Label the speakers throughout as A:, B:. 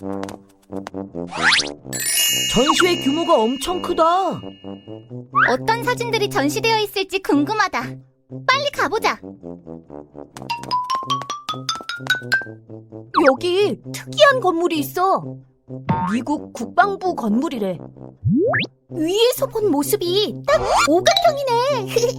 A: 전시회 규모가 엄청 크다.
B: 어떤 사진들이 전시되어 있을지 궁금하다. 빨리 가보자.
A: 여기 특이한 건물이 있어. 미국 국방부 건물이래.
B: 위에서 본 모습이 딱 오각형이네.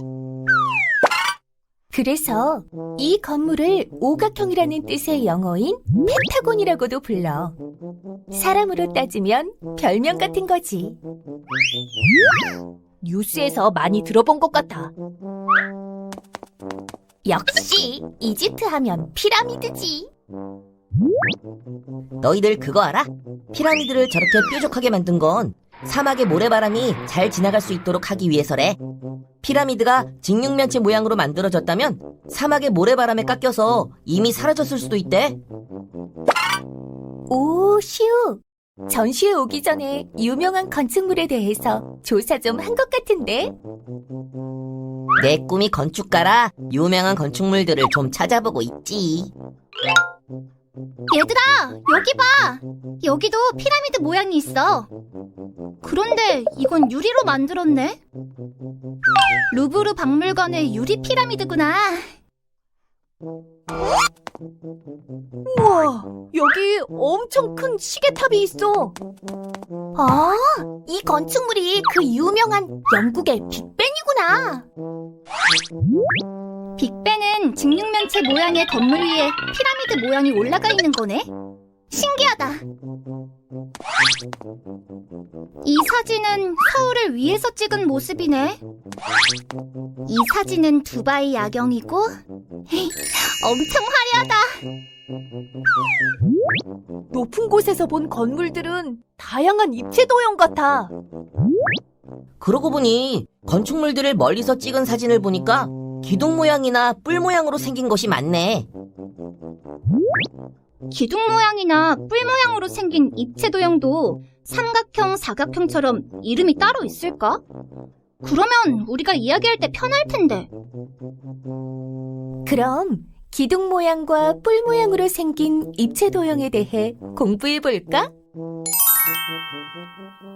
A: 그래서 이 건물을 오각형이라는 뜻의 영어인 펜타곤이라고도 불러. 사람으로 따지면 별명 같은 거지. 뉴스에서 많이 들어본 것 같아.
B: 역시 이집트 하면 피라미드지.
C: 너희들 그거 알아? 피라미드를 저렇게 뾰족하게 만든 건 사막의 모래바람이 잘 지나갈 수 있도록 하기 위해서래. 피라미드가 직육면체 모양으로 만들어졌다면 사막의 모래바람에 깎여서 이미 사라졌을 수도 있대.
A: 오, 시우. 전시회 오기 전에 유명한 건축물에 대해서 조사 좀 한 것 같은데?
C: 내 꿈이 건축가라 유명한 건축물들을 좀 찾아보고 있지.
B: 얘들아, 여기 봐. 여기도 피라미드 모양이 있어. 그런데 이건 유리로 만들었네. 루브르 박물관의 유리 피라미드구나.
A: 우와, 여기 엄청 큰 시계탑이 있어.
B: 아, 이 건축물이 그 유명한 영국의 빅벤이구나. 빅벤은 직육면체 모양의 건물 위에 피라미드 모양이 올라가 있는 거네. 신기하다. 이 사진은 서울을 위에서 찍은 모습이네. 이 사진은 두바이 야경이고 엄청 화려하다.
A: 높은 곳에서 본 건물들은 다양한 입체 도형 같아.
C: 그러고 보니 건축물들을 멀리서 찍은 사진을 보니까 기둥 모양이나 뿔 모양으로 생긴 것이 많네.
B: 기둥 모양이나 뿔 모양으로 생긴 입체 도형도 삼각형, 사각형처럼 이름이 따로 있을까? 그러면 우리가 이야기할 때 편할 텐데.
A: 그럼 기둥 모양과 뿔 모양으로 생긴 입체 도형에 대해 공부해 볼까?